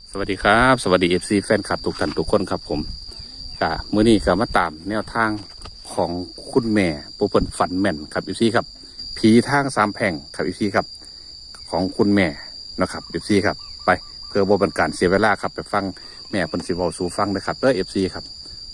สวัสดีครับสวัสดีFC แฟนคลับทุกท่านทุกคนครับผมมื้อนี้ก็มาตามแนวทางของคุณแม่ผู้เพิ่นฝันแม่นครับ FC ครับผีทางสามแพร่งครับ FC ครับของคุณแม่นะครับ FC ครับไปเพื่อบ่เป็นการเสียเวลาครับไปฟังแม่เพิ่นสิเว้าสู่ฟังนะครับเด้อ FC ครับ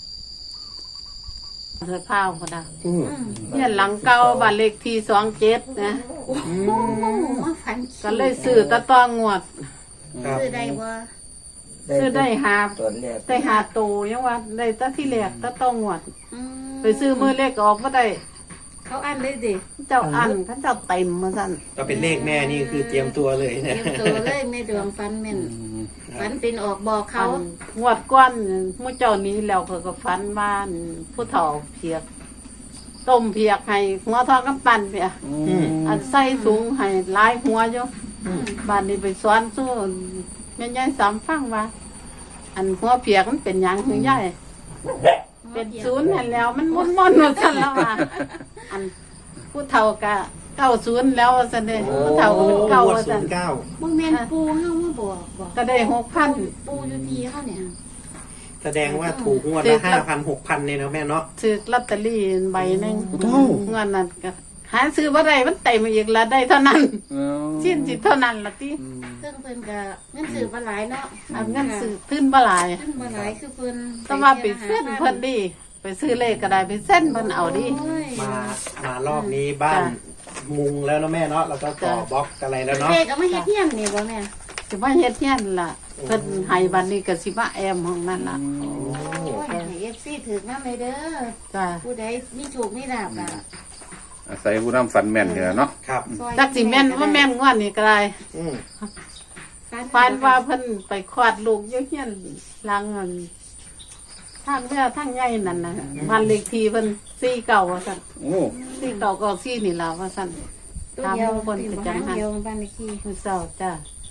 เธอข้าวก็ได้เนี่ยหลังเก่าบ้านเลขที่27นะมาฝันก็เลยซื้อตะตองวดซื้อได้บ่ซื้อได้หาตอนแรกได้หาโตยังว่าได้ตะที่แรกตะตองวดอืมไปซื้อมือเลขออกบ่ได้เขาอันเลยดิเจ้าอันเขาเจ้าเต็มมาสั่นก็เป็นเลขแม่นี่คือเตรียมตัวเลยเตนะรียมตัวเลยแม่ดวงฝันแม่นฝันเป็นออกบอกเขาอันงวดก้อนหมู่เจ้านี้แล้วเขาก็ฝันว่าผู้เฒ่าเพียกต้มเพียกให้หัวทองกำปั้นเพียอันใส่ถุงให้หลายหัวอยู่บ้านนี้ไปสอนสู้แม่ยายสามฟังว่า อันหัวเพียกมันเป็นหยังคือยายเป็นศูนย์นั่นแล้ว มันมุ่นๆว่าซั่นแล้วว่าอันผู้เฒ่ากะ90แล้วว่าซั่นเด้ผู้เฒ่าก็เป็นเก่าว่าซั่นบ่แม่นปูเฮามาบอกก็ได้6,000 ปูอยู่ที่เฮาเนี่ยแสดงว่าถูกงวดละ5,000-6,000เนี่ยนะแม่เนาะซื้อลอตเตอรี่ใบหนึงเงินนั้นก็หาซื้อบ่ได้มันเต็มอีกละได้เท่านั้นสิ้นสิเท่านั้นละติเพิ่นก็เงินซื้อบ่หลายเนาะอันเงินซื้อขึ้นบ่หลายเงินบ่หลายคือเพิ่นแต่ว่าไปเส้นเพิ่นดิไปซื้อเลขก็ได้ไปเส้นเพิ่นเอาดิโอ้ยมารอบนี้บ้านมุงแล้วนะแม่เนาะแล้วก็ต่อบล็อกอะไรแล้วเนาะเลขเอามาเฮ็ดเฮียนนี่บ่แม่สิมาเฮ็ดเฮียนล่ะเพิ่นให้บัดนี้ก็สิมาแอมห้องนั้นล่ะโอ้ยให้ FC ถึกนำเลยเด้อจ้ะผู้ใดมีโชคมีลาภอ่ะอาศัยผู้นำฝันแม่นเนี่ยเนาะครับซอยจักสิแม่นบ่แม่นงวดนี้ก็ได้อืมฝันว่าเพิ่นไปคลอดลูกอยู่เฮียนหลังอันทางเรือทางใหญ่นั่นน่ะบ้านเลขที่เพิ่น49ว่าซั่นโอ้ 49ก็4นี่ล่ะว่าซั่นตัวตามเดียวผู้คนไปจังหันเดียวบ้านเลขที่มื้อเช้าจ้ะ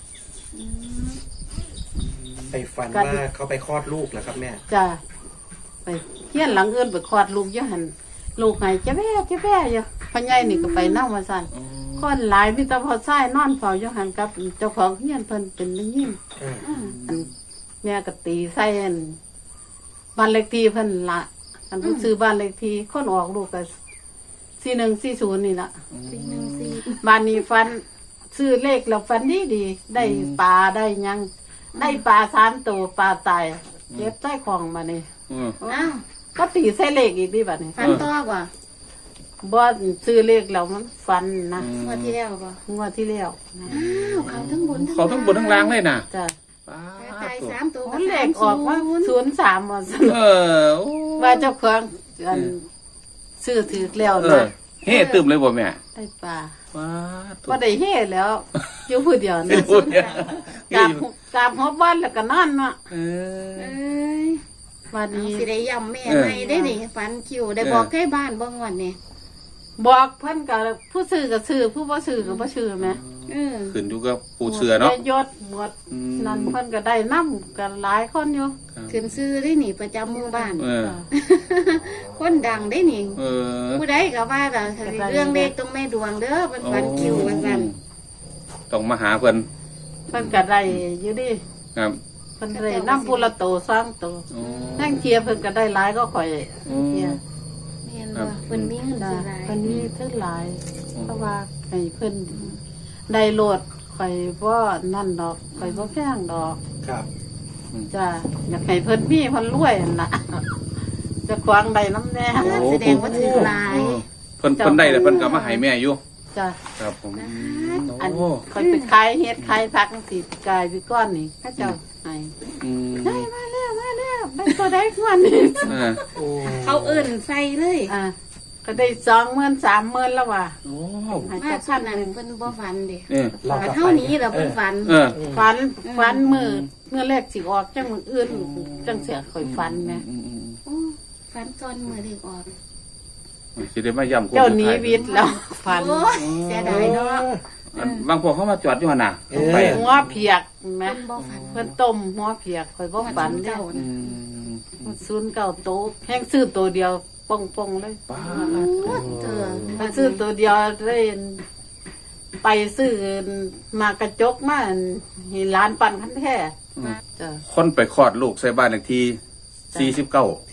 ไปฝันว่าเขาไปคลอดลูกแล้วครับแม่จ้ะไปเฮียนหลังอื่นไปคลอดลูกอยู่หั่นลูกให้จะแว่อยู่พ่อใหญ่นี่ก็ไปนำว่าซั่นคนหลายมีแต่พ่อชายนอนเฝ้าอยู่หั่นกับเจ้าของเฮียนเพิ่นเป็นผู้หญิง อันแม่ก็ตีใส่อันบ้านเลขที่เพิ่นละอันเพิ่นซื้อบ้านเลขที่คนออกลูกก็4140นี่ล่ะ 414 บ้านนี้ฟันซื้อเลขแล้วฟันดีได้ปลาได้หยังได้ปลา3ตัวปลาตายเก็บใส่ของมานี่อ้าวก็ตีใส่เลขอีกดิบัดนี้ฝันต่อบ่บ่ซื้อเลขแล้วมันฟันนะงวดที่แล้วบ่งวดที่แล้วนะอ้าวเขาทั้งบนเขาทั้งบนทั้งล่างเลยนะจ้ะตาย3ตัวมันเลขออกว่า03ว่าซั่นโอ้ว่าเจ้าของอันซื้อถือแล้วเอนะอเฮ้ตึมเลยบ่แม่ได้ปลาว้าก็ได้เฮ็ดแล้ว อยู่ผู้เดียวสินะพูดเนี่ยกราบฮอบบ้านแล้วก็นอนเนาะเออเอ้ยวันเอานี้สิได้ย้ำแม่ใหม่ได้นี่ฝันคิวได้บอกใกล้บ้านบ่งวดนี่บอกเพิ่นก็ผู้ซื้อก็ซื้อผู้บ่ซื้อก็บ่ซื้อแหมขึ้นอยู่กับผู้เชื่อเนาะได้ยศหมดนั่นเพิ่นก็ได้นํกันหลายคนอยู่ขึ้นซื้อได้นี่ประจำหมู่บ้านเออคนดังได้นี่เออผู้ใดก็ว่าก็เรื่องเลขต้องแม่ดวงเด้อเป็นฝันคิวว่าซั่นต้องมาหาเพิ่นเพิ่นก็ได้อยู่ดิครับเพิ่นได้นํผู้ละโตสองโตโอ้นั่งเทียเพิ่นก็ได้หลายก็ข่อยเทียแม่นบ่เพิ่นมีเงินจ้ะซื้อหลายเพิ่นมีเท่าหลายเพราะว่าให้เพิ่นได้โลดข่อยบ่นั่นดอกข่อยบ่แพงดอกครับจ้ะอยากให้เพิ่นมีเพิ่นรวยนั่นล่ะจะขวางได้น้ำแน่แสดงว่าถือหลายเพิ่นได้แล้วเพิ่นก็มาให้แม่อยู่จ้ะครับผมอันโอ้ข่อยไปขายเฮ็ดขายผักสิกายพี่ก้อนนี่เขาเจ้าให้อืมได้มาแล้วได้ตัวได้กว่านี้เออโอ้เขาเอิ้นใส่เลยก็ได้20,000 30,000แล้วว่ะโอ้ให้มาเจ้าส่วพันนนั้นเพิ่นบ่ฝันเด้เออฝันเท่านี้แล้วเพิ่นฝันเออฝันมื้อแรกสิออกจังมื้ออื่นจังเสียข่อยฝันแหมโอ้ฝันก่อนมื้อเลขออกสิได้มาย้ำเจ้าหนี้วิทย์แล้วฝันโอ้ยเสียดายเนาะบางพวกเขามาจอดอยู่หั่นน่ะไปหัวเพียกแหมเพิ่นบ่ฝันเพิ่นต้มหัวเพียกข่อยบ่ฝันเด้เจ้าอืม 09โตะแห้งซื้อตัวเดียวป่องๆเลยป้าโอ้เธอไปซื้อตัวเดียวเลยไปซื้อมากระจกมาเห็นร้านปั่นคันแท้จ้ะคนไปคลอดลูกใส่บ้านเลขที่49 49หรือ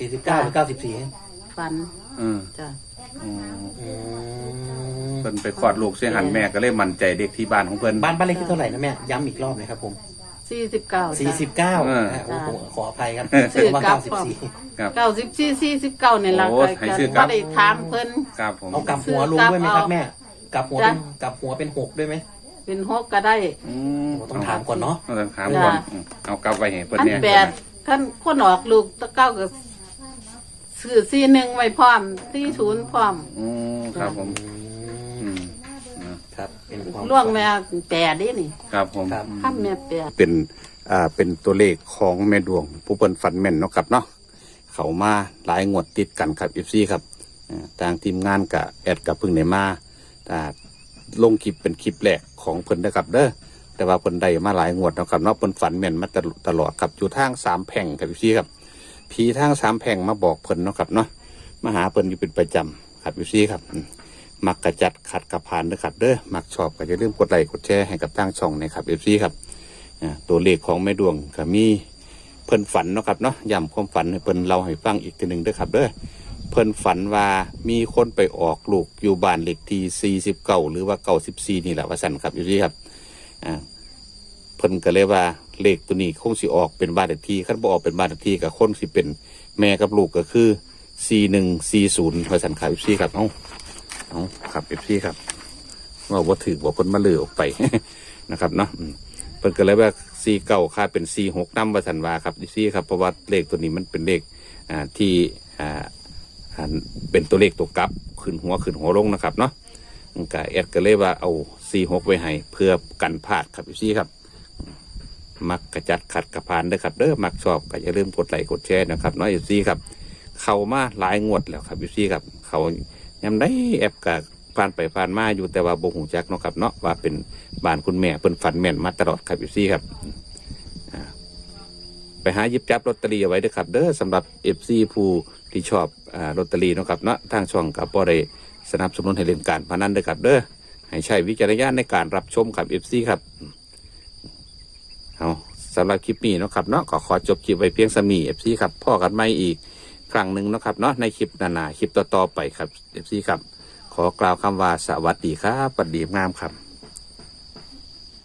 94 ฝันอืมจ้ะอืมอืมเพิ่นไปคลอดลูกเสียหันแม่ก็เลยมั่นใจเด็กที่บ้านของเพิ่นบ้านเลขที่เท่าไหร่นะแม่ย้ำอีกรอบหนะครับผม 49 49 เออโอ้โหขออภัยครับซื้อกลับ 94 ครับ 94 49นี่ล่ะโอ้ก็ให้ซื้อกลับบ่ได้ถามเพิ่นครับผมเอากลับหัวลงด้วยไหมครับแม่กลับหัวเป็นกลับหัวเป็น6ด้วยไหมเป็น6ก็ได้อืมโอ้ต้องถามก่อนเนาะต้องถามก่อนเอากลับไว้ให้เพิ่นอันเนี่ย 8คันคนออกลูกตะเก้าก็ซื้อ41ไว้พร้อม40พร้อมอืมครับผมอืมครับเป็นความล่วงแม่แปดนี่นี่ครับผมครับข้ามแม่แปดเป็นตัวเลขของแม่ดวง ผู้เปิ้นฝันแม่นเนาะครับเนาะเขามาหลายงวดติดกันครับ FC ครับทางทีมงานกับแอดกับพึ่งได้มาลงคลิปเป็นคลิปแรกของเพิ่นนะครับเด้อแต่ว่าเพิ่นได้มาหลายงวดเนาะครับเนาะเพิ่นฝันแม่นมาตลอดครับอยู่ทาง3แผงครับ FC ครับผีทาง3แผงมาบอกเพิ่นเนาะครับเนาะมาหาเพิ่นอยู่เป็นประจำครับ FC ครับมักกระจัดขัดกระพานนะครับเด้อมักชอบก็อย่าลืมกดไลค์กดแชร์ให้กับทางช่องนะครับ FC ครับตัวเลขของแม่ดวงก็มีเพิ่นฝันเนาะครับเนาะย้ำความฝันให้เพิ่นเล่าให้ฟังอีกทีหนึ่งเด้อครับเด้อเพิ่นฝันว่ามีคนไปออกลูกอยู่บ้านเลขที่49หรือว่า94นี่แหละว่าสั่นครับอยู่ที่ครับเพิ่นก็เลยว่าเลขตัวนี้คงสิออกเป็นบ้านเลขที่คันบ่ออกเป็นบ้านเลขที่ก็คนสิเป็นแม่กับลูกก็คือ4140ว่าสั่นครับอยู่ที่ครับเอาครับ FC ครับว่าบ่ถือว่าเพิ่นมาลือออกไป นะครับเนาะเพิ่นก็เลยว่า49ค่าเป็น46นำว่าซั่นว่าครับ FC ครับเพราะว่าเลขตัวนี้มันเป็นเลขที่เป็นตัวเลขตัวกลับขึ้นหัวลงนะครับเนาะก็แอดก็เลยว่าเอา46ไว้ให้เพื่อกันพลาดครับ FC ครับมักกระจัดขัดกระพานเด้อครับเด้อมักชอบก็อย่าลืมกดไลค์กดแชร์นะครับเนาะ FC ครับเข้ามาหลายงวดแล้วครับ FC ครับเขายามได้แอปก็ผ่านไปผ่านมาอยู่แต่ว่าบ่ฮู้จักเนาะครับเนาะว่าเป็นบ้านคุณแม่เพิ่นฝันแม่นมาตลอดครับ FC ครับไปหาหยิบจับลอตเตอรี่เอาไว้เด้อครับเด้อสำหรับ FC ผู้ที่ชอบลอตเตอรี่เนาะครับเนาะทางช่องกับบ่ได้สนับสนุนให้เล่นการพนันเด้อครับเด้อให้ใช้วิจารณญาณในการรับชมครับ FC ครับเอาสำหรับคลิปนี้เนาะครับเนาะก็ขอจบคลิปไว้เพียงสำนี้ FC ครับพ่อกันใหม่อีกครั้งหนึ่งเนาะครับเนาะในคลิปหน้าๆคลิปต่อๆไปครับ FC ครับขอกล่าวคำว่าสวัสดีครับสวัสดีงามครับ